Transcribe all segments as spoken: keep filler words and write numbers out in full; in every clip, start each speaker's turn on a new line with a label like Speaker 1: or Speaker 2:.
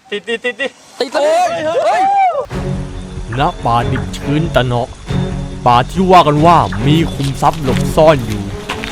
Speaker 1: ติดติดติดติด
Speaker 2: ติดเลยเฮ้ย
Speaker 3: ณป่าดิบชื้นตะเนาะป่าที่ว่ากันว่ามีคุมทรัพย์หลบซ่อนอยู่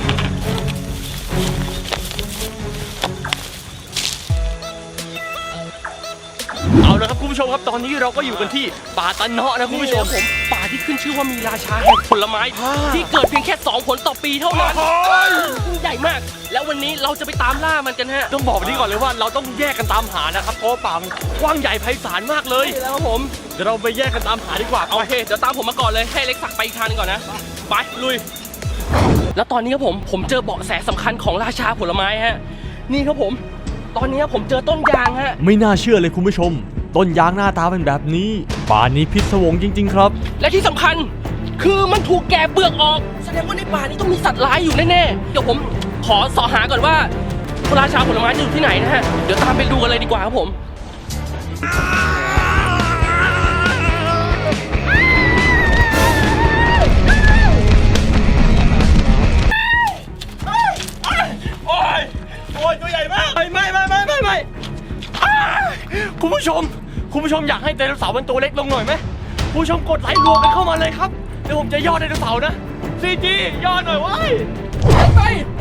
Speaker 1: เอาละครับคุณผู้ชมครับตอนนี้เราก็อยู่กันที่ป่าตะเนาะนะคุณผู้ชมผมป่าที่ขึ้นชื่อว่ามีราชาแห่งผลไม้ที่เกิดเพียงแค่สองผลต่อปีเท่านั้นใหญ่มากแล้ววันนี้เราจะไปตามล่ามันกันฮะต้องบอกนี้ก่อนเลยว่าเราต้องแยกกันตามหานะครับเพราะป่ามันกว้างใหญ่ไพศาลมากเลยแล้วผมเดี๋ยวเราไปแยกกันตามหาดีกว่าโอเคเดี๋ยวตามผมมาก่อนเลยให้เล็กสักไปอีกทางนึงก่อนนะไปลุยแล้วตอนนี้ครับผมผมเจอเบาะแสสำคัญของราชาผลไม้ฮะนี่ครับผมตอนนี้ผมเจอต้นยางฮะ
Speaker 3: ไม่น่าเชื่อเลยคุณผู้ชมต้นยางหน้าตาเป็นแบบนี้ป่านี้พิศวงจริงๆครับ
Speaker 1: และที่สำคัญคือมันถูกแกะเปลือกออกแสดงว่าในป่านี้ต้องมีสัตว์ร้ายอยู่แน่ๆเดี๋ยวผมขอสอหาก่อนว่าราชาผลไม้จะอยู่ที่ไหนนะฮะเดี๋ยวตามไปดูกันเลยดีกว่าครับผมโอ้ยโอ้ยตัวใหญ่มากไม่ไม่ไม่ไม่ไม่ไม่คุณผู้ชมคุณผู้ชมอยากให้ไดโนเสาร์มันตัวเล็กลงหน่อยไหมคุณผู้ชมกดไลค์รวมกันเข้ามาเลยครับเดี๋ยวผมจะย่อไดโนเสาร์นะซีจีย่อหน่อยเว้ยไป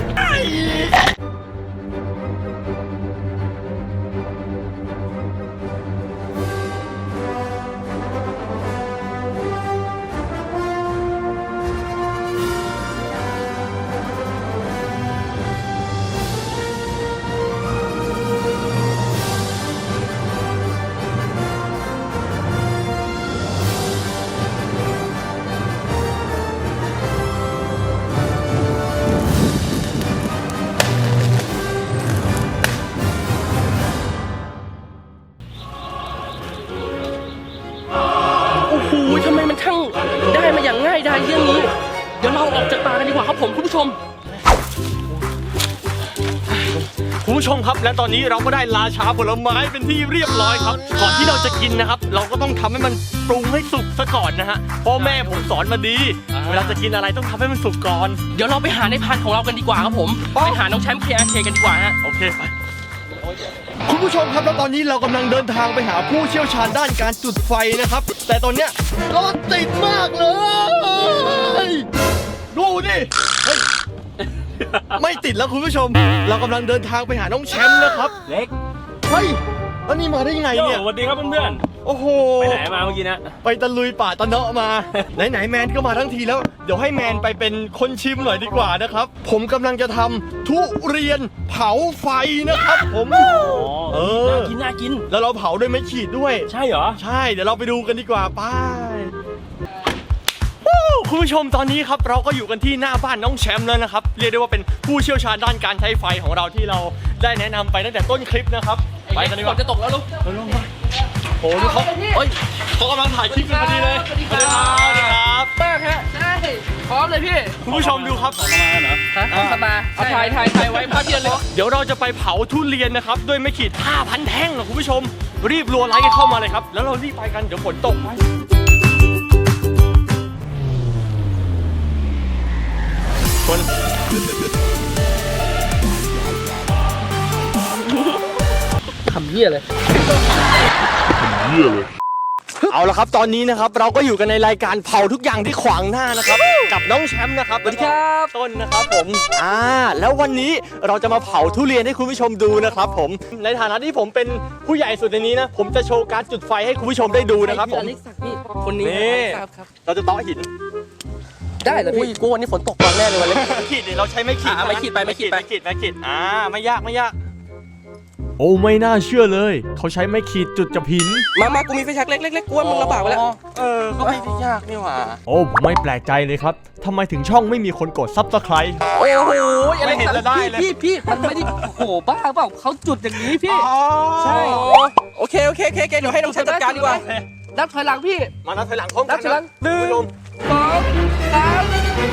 Speaker 1: ทำไมมันทั้งได้มาอย่างง่ายดายเรื่องนี้เดี๋ยวเราออกจากป่ากันดีกว่าครับผมคุณผู้ชมคุณผู้ชมครับและตอนนี้เราก็ได้ราชาผลไม้เป็นที่เรียบร้อยครับก่อนที่เราจะกินนะครับเราก็ต้องทำให้มันปรุงให้สุกซะก่อนนะฮะพ่อแม่ผมสอนมาดีเวลาจะกินอะไรต้องทำให้มันสุกก่อนเดี๋ยวเราไปหาในพานของเรากันดีกว่าครับผมไปหาน้องแชมป์ เค อาร์ เค กันดีกว่าฮะโอเคไปคุณผู้ชมครับแล้วตอนนี้เรากำลังเดินทางไปหาผู้เชี่ยวชาญด้านการจุดไฟนะครับแต่ตอนเนี้ยรถติดมากเลยดูดิไม่ติดแล้วคุณผู้ชมเรากำลังเดินทางไปหาน้องแชมป์นะครับเล็กเฮ้ยแล้วนี่มาได้ยังไงเนี่ย
Speaker 2: สวัสดีครับเพื่อน
Speaker 1: ๆโอ้โห
Speaker 2: ไปไหนมาเมื่อกี้นะ
Speaker 1: ไปตะลุยป่าตะเนาะมาไหนๆแมนก็มาทั้งทีแล้วเดี๋ยวให้แมนไปเป็นคนชิมหน่อยดีกว่านะครับผมกำลังจะทำทุเรียนเผาไฟนะครับผม
Speaker 2: เออน่ากินน่ากิน
Speaker 1: แล้วเราเผาด้วยไม้ขีดด้วย
Speaker 2: ใช่เหรอ
Speaker 1: ใช่เดี๋ยวเราไปดูกันดีกว่าไปคุณผู้ชมตอนนี้ครับเราก็อยู่กันที่หน้าบ้านน้องแชมป์แล้วนะครับเรียกได้ว่าเป็นผู้เชี่ยวชาญด้านการใช้ไฟของเราที่เราได้แนะนำไปตั้งแต่ต้นคลิปนะครับไปกันดีกว่าจะตกแล้วลูกลงมาโอ้โหเขาเฮ้ยเขากำลังถ่ายคลิปกันพอดีเลยสวัสดีครับสวัสดีครับแป้งฮะใช่พร้อมเลยพี่คุณผู้ชมดูครับสมาเหรอฮะสมาเอาถ่ายถ่ายถ่ายไว้ภาพเดียวเลยเดี๋ยวเราจะไปเผาทุเรียนนะครับด้วยไม้ขีด ห้าพัน แท่งนะคุณผู้ชมรีบรัวไลค์กันเข้ามาเลยครับแล้วเรารีบไปกันเดี๋ยวฝนตกคนทำเหี้ยเลยทำเหี้ยเลยเอาละครับตอนนี้นะครับเราก็อยู่กันในรายการเผาทุกอย่างที่ขวางหน้านะครับกับน้องแชมป์นะครับ
Speaker 2: สวัสดีครับ
Speaker 1: ต้นนะครับผมอ่าแล้ววันนี้เราจะมาเผาทุเรียนให้คุณผู้ชมดูนะครับผมในฐานะที่ผมเป็นผู้ใหญ่สุดในนี้นะผมจะโชว์การจุดไฟให้คุณผู้ชมได้ดูนะครับผม
Speaker 2: คนนี้
Speaker 1: เราจะต่อหิน
Speaker 2: ได้เหรอพี่กูวันนี้ฝนตกมาแน่เลยวันนี้
Speaker 1: ไม่ขีดเราใช้ไม่ขีด
Speaker 2: ไม่ขีดไปไม่ขีดไป
Speaker 1: ไม่ขีดไม่ขีดอ่าไม่ยากไม่ยาก
Speaker 3: โอ้ไม่น่าเชื่อเลยเขาใช้ไม้ขีดจุดจับหิน
Speaker 2: มามากูมีไฟแช็กเล็กๆๆกูว่ามึงลำบากไปแล้ว
Speaker 1: เออก็ไม่ยากนี่หว่า
Speaker 3: โอ้ผมไม่แปลกใจเลยครับทำไมถึงช่องไม่มีคนกดซับสไครต์
Speaker 2: โอ้โหอะไรเห็นจะได้เลยพี่พี่มันไม่ได้โอ้โหบ้าเปล่าเขาจุดอย่างนี้พี่ใช่โอเคโอเคโอเคเดี๋ยวให้น้องแชมป์จัดการดีกว่านับถอยหลังพี่
Speaker 1: มานับถอยหลังพร้อมกัน
Speaker 2: นะหนึ่งสองสาม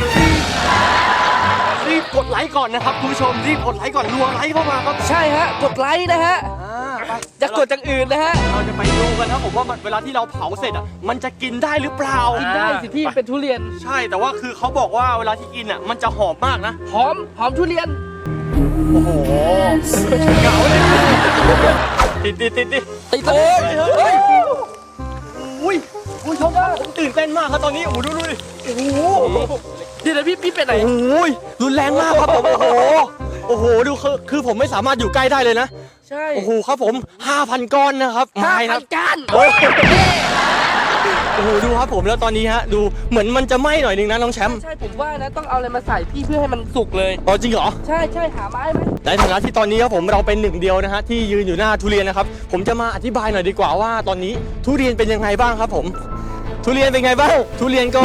Speaker 1: รีบกดไลค์ก่อนนะครับคุณผู้ชมรีบกดไลค์ก่อนรัวไลค์เข้ามาครับ
Speaker 2: ใช่ฮะกดไลค์นะฮะจะกดจากอื่นนะฮะ
Speaker 1: เราจะไปดูกันนะผมว่าเวลาที่เราเผาเสร็จอ่ะมันจะกินได้หรือเปล่า
Speaker 2: กินได้สิพี่เป็นทุเรียน
Speaker 1: ใช่แต่ว่าคือเขาบอกว่าเวลาที่กินอ่ะมันจะหอมมากนะ
Speaker 2: หอมหอมทุเรียน
Speaker 1: โอ้โหเก่าเลยติดติดติดติด
Speaker 2: ติดเลยเฮ้ย
Speaker 1: อุ้ยคุณผู้ชมครับผมตื่นเต้นมากครับตอนนี้โอ้โหดูดูดิโอ้โห
Speaker 2: เดี๋ยวนะพี่พี่เป็นไหน
Speaker 1: โอ้ยรุนแรงมากครับผมโอ้โหโอ้โหดูคือคือผมไม่สามารถอยู่ใกล้ได้เลยนะ
Speaker 2: ใช่
Speaker 1: โอ้โหครับผม ห้าพัน ก้อนนะครับ
Speaker 2: ห้า
Speaker 1: ไม้ค
Speaker 2: พั
Speaker 1: รั
Speaker 2: น
Speaker 1: บ
Speaker 2: ก้าน
Speaker 1: โอ้ยโอ้โหดูครับผมแล้วตอนนี้ฮะดูเหมือนมันจะไหม้หน่อยนึงนะน้องแชมป์
Speaker 2: ใช่ผมว่านะต้องเอาอะไรมาใส่พี่เพื่อให้มันสุกเลย
Speaker 1: อ๋อจริงเหรอ
Speaker 2: ใช่ใช่หาไม้ไหม
Speaker 1: ในฐานะที่ตอนนี้ครับผมเราเป็นหนึ่งเดียวนะฮะที่ยืนอยู่หน้าทุเรียนนะครับผมจะมาอธิบายหน่อยดีกว่าว่าตอนนี้ทุเรียนเป็นยังไงบ้างครับผมทุเรียนเป็นไงบ้างทุเรียนก็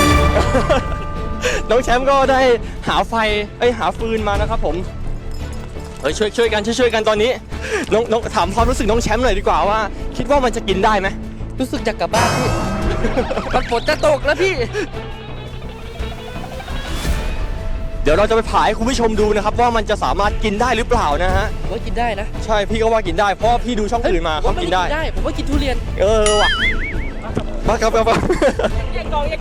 Speaker 1: น้องแชมป์ก็ได้หาไฟเอ้ยหาฟืนมานะครับผมเฮ้ยช่วยช่วยกันช่วยช่วยกันตอนนี้น้องน้องถามความรู้สึกน้องแชมป์หน่อยดีกว่าว่า คิดว่ามันจะกินได้ไหม
Speaker 2: รู้สึกอยากกลับบ้านพี่ มันฝนจะตกแล้วพี่
Speaker 1: เดี๋ยวเราจะไปผ่าให้คุณผู้ชมดูนะครับว่ามันจะสามารถกินได้หรือเปล่านะฮะ
Speaker 2: ผมว่ากินได้นะ
Speaker 1: ใช่พี่ก็ว่ากินได้เพราะว่าพี่ดูช่องอื่นมา
Speaker 2: ผ
Speaker 1: เขา
Speaker 2: ม
Speaker 1: กินได้
Speaker 2: ได้ผมว่ากินทุเรียน
Speaker 1: เออว่ะมาครับครับครับ
Speaker 2: แยกกองแยก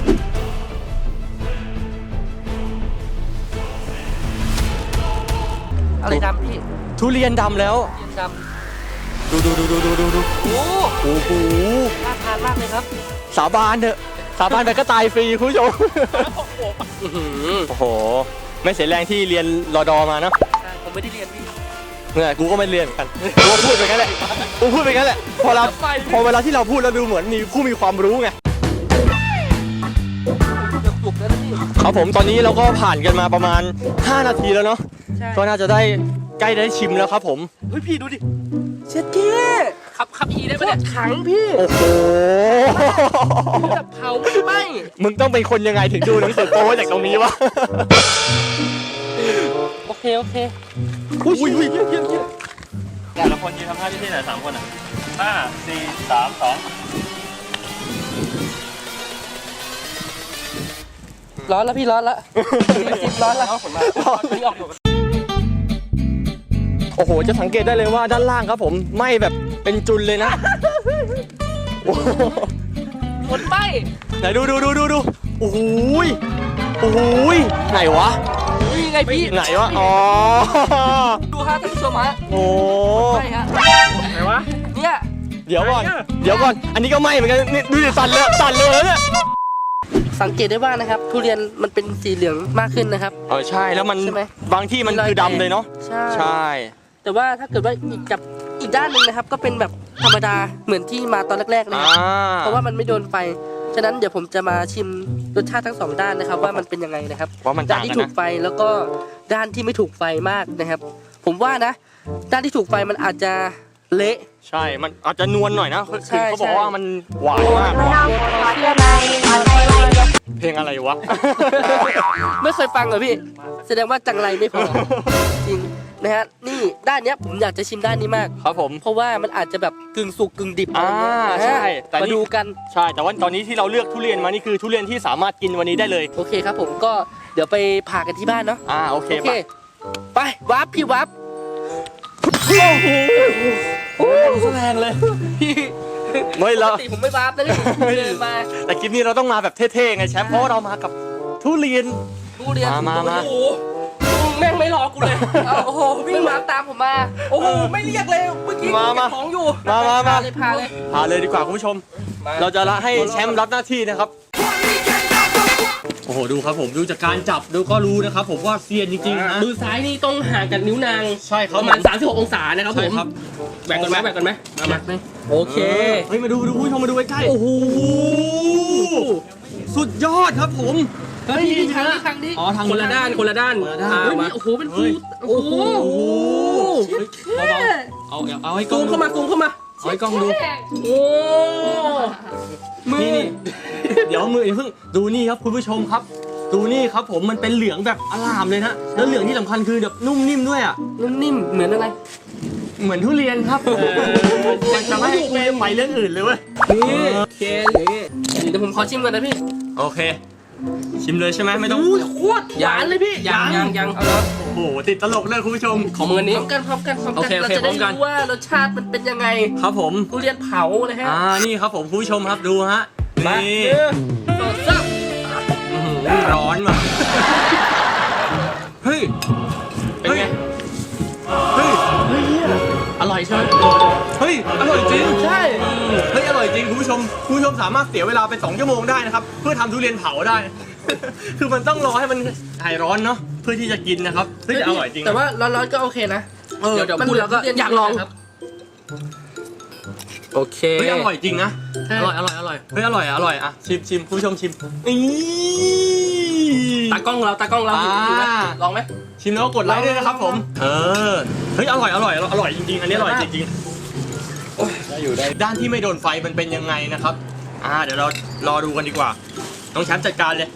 Speaker 2: อะไรดำพี่
Speaker 1: ทุเรียนดำแล้ว
Speaker 2: ทุเรียนด
Speaker 1: ดูดูดูดูดูดูดู
Speaker 2: ำโอ้
Speaker 1: โอ้โห
Speaker 2: น่าทานมากเลยครับ
Speaker 1: สาบานเถอะสาบานไปก็ตายฟรีคุณผู้ชม
Speaker 2: อื้อหือ
Speaker 1: โอ้โหไม่เสียแรงที่เรียนรอดอมาเนาะ
Speaker 2: ใช่ผมไม่ได้เรียนพี่
Speaker 1: เนี่ยกูก็ไม่เรียนเหมือนกันกูก็พูดไปงั้นแหละกูพูดไปงั้นแหละพอเราพอเวลาที่เราพูดเราดูเหมือนมีผู้มีความรู้ไง
Speaker 2: เกือบสุกแล้วนะพี่
Speaker 1: ครับผมตอนนี้เราก็ผ่านกันมาประมาณห้านาทีแล้วเนาะ
Speaker 2: ใช่
Speaker 1: ก็น่าจะได้ใกล้ได้ชิมแล้วครับผม
Speaker 2: เฮ้ยพี่ดูดิเช็ดเก้ขับขับอีได้ปะเนี่ยขังพี่
Speaker 1: โอ้โห
Speaker 2: แบบเผาไม่ไหม้
Speaker 1: มึงต้องเป็นคนยังไงถึงดูหนังสือโป๊จากตรงนี้วะ
Speaker 2: โอเคโอเค
Speaker 1: อุ้ยอุ้ยอุ้ยเยี่ยมเยี่ยมเยี่ยม
Speaker 4: แต่ละคนยืนทำท่าที่ที่ไหนสามคนอ่ะห้าสี่สามสอง
Speaker 2: ร้อนแล้วพี่ร้อนแล้วสิบร้อนแล้วนี่ออก
Speaker 1: โอ้โหจะสังเกตได้เลยว่าด้านล่างครับผมไหม้แบบเป็นจุนเลยนะโอ้โห
Speaker 2: หมดไหม้
Speaker 1: ไหนดูดูดูดูดูโอ้โหยโอ้โหยไหนวะ
Speaker 2: นี่ไงพี่
Speaker 1: ไหนวะอ๋อ
Speaker 2: ดูฮะท่านผู้ชมฮะ
Speaker 1: โอ้
Speaker 2: ใช่ฮะ
Speaker 4: ไหนวะ
Speaker 2: เนี่ย
Speaker 1: เดี๋ยวก่อนเดี๋ยวก่อนอันนี้ก็ไหม้เหมือนกันนี่ดูดิสั่นเลยสั่นเลยเนี่ย
Speaker 2: สังเกตได้ว่านะครับทุเรียนมันเป็นสีเหลืองมากขึ้นนะครับ
Speaker 1: เออใช่แล้วมัน
Speaker 2: ใช่ไหม
Speaker 1: บางที่มันคือดำเลยเนาะ
Speaker 2: ใช่
Speaker 1: ใช่
Speaker 2: แต่ว่าถ้าเกิดว่าอีกกับอีกด้านหนึ่งนะครับ ก็เป็นแบบธรรมดาเหมือนที่มาตอนแรกๆเลย
Speaker 1: อ่า
Speaker 2: ครับเพราะว่ามันไม่โดนไฟฉะนั้นเดี๋ยวผมจะมาชิมรสชาติทั้งสองด้านนะครับ ว่ามันเป็นยังไงนะครับ
Speaker 1: ว่ามัน
Speaker 2: ด้า
Speaker 1: ต่าน ง
Speaker 2: ที่
Speaker 1: กัน
Speaker 2: ถูก
Speaker 1: นะ
Speaker 2: ไฟแล้วก็ด้านที่ไม่ถูกไฟมากนะครับ ผมว่านะ ด้านที่ถูกไฟมันอาจจะเละ
Speaker 1: ใช่มันอาจจะนวลหน่อยนะคือ
Speaker 2: ใช่
Speaker 1: เขาบอก
Speaker 2: ใช่
Speaker 1: ว่ามันหวานมาก
Speaker 2: โดนโดนเชื่อไหม
Speaker 1: เพลงอะไรวะ
Speaker 2: ไม่เคยฟังเหรอพี่ แสดงว่าจังไรไม่พอ จริงนะฮะนี่ด้านเนี้ยผมอยากจะชิมด้านนี้มาก
Speaker 1: ครับผม
Speaker 2: เพราะว่ามันอาจจะแบบกึ่งสุกกึ่งดิบ
Speaker 1: อ่า
Speaker 2: อะไรเงี้ย
Speaker 1: ใช่แต่
Speaker 2: มา
Speaker 1: นี่
Speaker 2: ดูกัน
Speaker 1: ใช่แต่ว่าตอนนี้ที่เราเลือกทุเรียนมานี่คือทุเรียนที่สามารถกินวันนี้ได้เลย
Speaker 2: โอเคครับผมก็เดี๋ยวไปผ่ากันที่บ้านเนาะ
Speaker 1: อ่าโอเค
Speaker 2: โอเค
Speaker 1: ไป
Speaker 2: ไปวับพี่วับ
Speaker 1: โอ้โหแรงเลย
Speaker 2: พี่
Speaker 1: ไม่
Speaker 2: ป
Speaker 1: แล้
Speaker 2: ก
Speaker 1: ว
Speaker 2: ติผมไม่วับนะนี่เดินมา
Speaker 1: แต่คลิปนี้เราต้องมาแบบเท่ๆไงแชมป์เพราะว่าเรามากับทุเรียน
Speaker 2: ทุเรียน
Speaker 1: มามามา
Speaker 2: โอ้โหแม่งไม่รอกูเลยเอาโอ้โหวิ่งมาตามผมมาโอ้โหไม่เรียกเลยเมื่อกี้
Speaker 1: มามา
Speaker 2: เก็บของอยู่
Speaker 1: มามามา
Speaker 2: พเลยพาเลย
Speaker 1: พาเลยดีกว่าคุณผู้ชม เราจะละให้แชมป์รับหน้าที่นะครับโอ้โหดูครับผมดูจากการจับดูก็รู้นะครับผมว่าเซียนจริงๆนะ
Speaker 2: มือซ้ายนี่ต้องห่างกันนิ้วนาง
Speaker 1: ใช่ค
Speaker 2: ป
Speaker 1: รับ
Speaker 2: ระมาณสามสิบหกองศานะครับผ
Speaker 1: ใช่
Speaker 2: ม
Speaker 1: ครับ
Speaker 2: แบ่งกันไหมแบ่งกันไหมมามาโอเค
Speaker 1: เฮ้ยมาดูดูคุณผู้ชมมาดูใกล้ๆ
Speaker 2: โอ้โห
Speaker 1: สุดยอดครับผม
Speaker 2: เฮ้ยนี่ทางนี้ทางนี้
Speaker 1: อ๋อทาง
Speaker 2: คนละด้านคนละด้าน
Speaker 1: คนละด้าน
Speaker 2: อ่
Speaker 1: เฮ้ย
Speaker 2: มาโอ้โหเป็นฟูโอ้โห
Speaker 1: โอ้โห
Speaker 2: เท่
Speaker 1: เอาเอาเอาให้กล้
Speaker 2: ซู
Speaker 1: อง
Speaker 2: ม
Speaker 1: ดู
Speaker 2: เข้ามาซูมเข้ามา
Speaker 1: เอาให้กล้องดู
Speaker 2: โอ้มือ
Speaker 1: นี่นี่เดี๋ยวมืออย่าเพิ่งดูนี่ครับคุณผู้ชมครับ ดูนี่ครับผมมันเป็นเหลืองแบบอลามเลยนะแล้วเหลืองที่สำคัญคือแบบนุ่มนิ่มด้วยอ่ะ
Speaker 2: นุ่มนิ่มเหมือนอะไร
Speaker 1: เหมือนทุเรียนครับมันจะไม่ให้กูไปเรื่องอื่นเลยเว้ย
Speaker 2: นี่เคนนี่เดี๋ยวผมขอชิมก่อนนะพี่
Speaker 1: โอเค ชิมเลยใช่ไหมไม่ต้อง
Speaker 2: อู้โคตรหวานเลยพี่ยังยังยังเอาแล้ว
Speaker 1: โอ้โหติดตลกเลยคุณผู้ชม
Speaker 2: ของมือนี้พร้อมกันพร้อมกันพร้อม
Speaker 1: โอ
Speaker 2: กัน
Speaker 1: เคโอ
Speaker 2: เรา
Speaker 1: เค
Speaker 2: จะ
Speaker 1: พร้
Speaker 2: ได้
Speaker 1: อมกัน
Speaker 2: รู้ว่ารสชาติมันเป็นยังไง
Speaker 1: ครับผม
Speaker 2: ทุเรียนเผาเลยฮะ
Speaker 1: อ่านี่ครับผมคุณผู้ชมครับดูฮะ
Speaker 2: มา
Speaker 1: นี่
Speaker 2: เออสดซับ
Speaker 1: อื้อหือร้อนว่ะเฮ้ย
Speaker 2: เป็นไง
Speaker 1: เฮ้ย
Speaker 2: อร่อยใช่ไหม
Speaker 1: เฮ้ย
Speaker 5: ฮ้ยอร่อยจริง
Speaker 2: ใช่
Speaker 5: เฮ้ยอร่อยจริงคุณผู้ชมคุณผู้ชมสามารถเสียเวลาไปสองชั่วโมงได้นะครับเพื่อทำทุเรียนเผาได้ คือมันต้องรอให้มันหายร้อนเนาะเพื่อที่จะกินนะครับเฮ้ยแต่อร่อยจริง
Speaker 2: แต่ว่าร้อนๆก็โอเคนะ
Speaker 5: เออ
Speaker 2: เดี๋ยวเดี๋ยว
Speaker 1: มัน
Speaker 2: พูดแล้วก็
Speaker 1: เดี๋ยว
Speaker 2: อยากลอง
Speaker 1: ครับ โอเค
Speaker 5: เฮ้ยอร่อยจริงนะ
Speaker 2: ใช่
Speaker 1: อร่อยอร่อยอร่อย
Speaker 5: เฮ้ยอร่อยอร่อยอ่ะชิมชิมคุณผู้ชมชิมนี่
Speaker 1: ตากล้องเราตากล้องเรา
Speaker 5: อ่า
Speaker 1: ดูไหมลองไหม
Speaker 5: ชิมแล้วก็กดไลค์ด้วยนะครับผมเออเฮ้ยอร่อยอร่อยอร่อยจริงๆอันนี้อร่อยจริงๆโอ้ยได้อยู่ได้ด้านที่ไม่โดนไฟมันเป็นยังไงนะครับอ่าเดี๋ยวเรารอดูกันดีกว่าน้องแชมป์จัดการเลย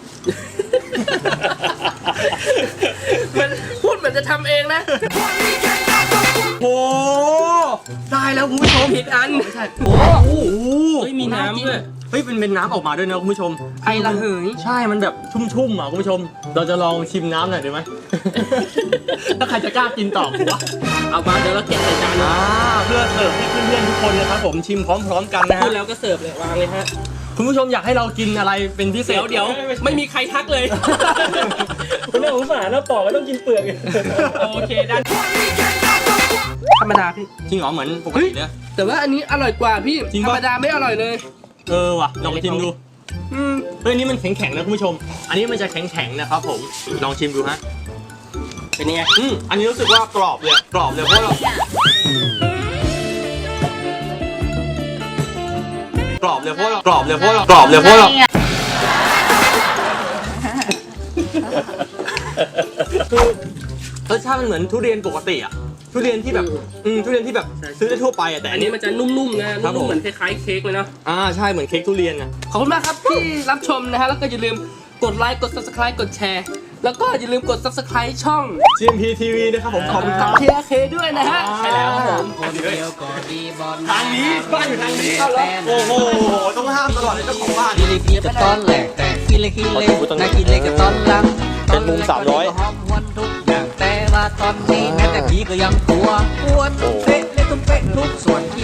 Speaker 2: มันพูดเหมือนจะทำเองนะ
Speaker 5: โอ้ได้แล้วคุณผู้ชม
Speaker 1: ผิดอัน
Speaker 5: ไม่ใช่
Speaker 2: โอ้
Speaker 5: โอ้โห
Speaker 1: เฮ้ยมีน้ำด้วย
Speaker 5: เฮ้ยเป็นเป็นน้ำออกมาด้วยนะคุณผู้ชม
Speaker 2: ไอระเหย
Speaker 5: ใช่มันแบบชุ่มๆอ่ะคุณผู้ชม เราจะลองชิมน้ำหน่อยดีไหม ถ้าใครจะกล้ากินต่อผมว่า
Speaker 1: เอามาเดี๋ยวเราเก็บใส่จาน
Speaker 5: อ่าเพื่อเสิร์ฟให้เพื่อนๆทุกคนนะครับผมชิมพร้อมๆกันนะ
Speaker 1: พู
Speaker 5: ฮะ
Speaker 1: ดแล้วก็เสิร์ฟเลยวางเลยฮะ
Speaker 5: คุณผู้ชมอยากให้เรากินอะไรเป็นพิเศษ
Speaker 1: เดี๋ยวเดี๋ยวไม่มีใครทักเลย
Speaker 4: คุณน่าสงสารนะปอกก็ต้องกินเปลือก
Speaker 1: โอเคได้
Speaker 2: ธรรมดาพี่
Speaker 5: จริงเหรอเหมือนปกติเนี่ย
Speaker 2: แต่ว่าอันนี้อร่อยกว่าพี่
Speaker 5: จริง
Speaker 2: ธ
Speaker 5: ปะ
Speaker 2: รรมดาไม่อร่อยเลย
Speaker 5: เออว่ะลองชิมดูอืมเฮ้ยอันนี่มันแข็งๆนะคุณผู้ชม อันนี้มันจะแข็งๆนะครับผมลองชิมดูฮะ
Speaker 1: เป็นยังไง
Speaker 5: อืมอันนี้รู้สึกว่ากรอบเลยกรอบเลยเพราะเรากรอบเลยเพราะเรากรอบเลยเพราะเรากรอบเลยเพราะเราคือรสชาติมันเหมือนทุเรียนปกติอ่ะทุเรียนที่แบบอืมทุเรียนที่แบบซื้อได้ทั่วไปอ่ะแต่
Speaker 1: อั
Speaker 5: อั
Speaker 1: น
Speaker 5: น
Speaker 1: นี้
Speaker 5: นี้
Speaker 1: มันจะนุ่มๆนะ
Speaker 5: ครับผม
Speaker 1: นุ่มๆเหมือนคล้ายๆเค้กเลยเนาะ
Speaker 5: อ่าใช่เหมือนเค้กทุเรียนอ่ะ
Speaker 2: ขอบคุณมากครับที่รับชมนะฮะ แล้วก็อย่าลืมกดไลค์ กด subscribe กดแชร์ แล้วก็อย่าลืมกด subscribe ช่อง
Speaker 5: จี เอ็ม พี ที วี นะครับผมขอบคุณค
Speaker 2: กั
Speaker 5: รั
Speaker 2: บบ ทีอาร์เคด้วยนะฮะ
Speaker 5: ใช่แล้วครับผม
Speaker 6: คนเดียวก็ดีบอล
Speaker 5: ทางนี้บ้านอยู่ทางนี้
Speaker 2: เอาเหรอ
Speaker 5: โอ้โหต้องห้ามตลอดเลยเจ้าของบ้าน
Speaker 6: กิเลกิเลกับตอนแหลกแต่กิเลกิเลนากิเลกับตอนหลัง
Speaker 5: เป็นมุมสามร้อย
Speaker 6: ตนแรกก็หอมหวนทุกอย่างแต่ว่าตอนนี้แม้แต่ผีก็ยังกลัวกวนตุ้มเป๊ะและตุ้มเป๊ะทุกส่วนที่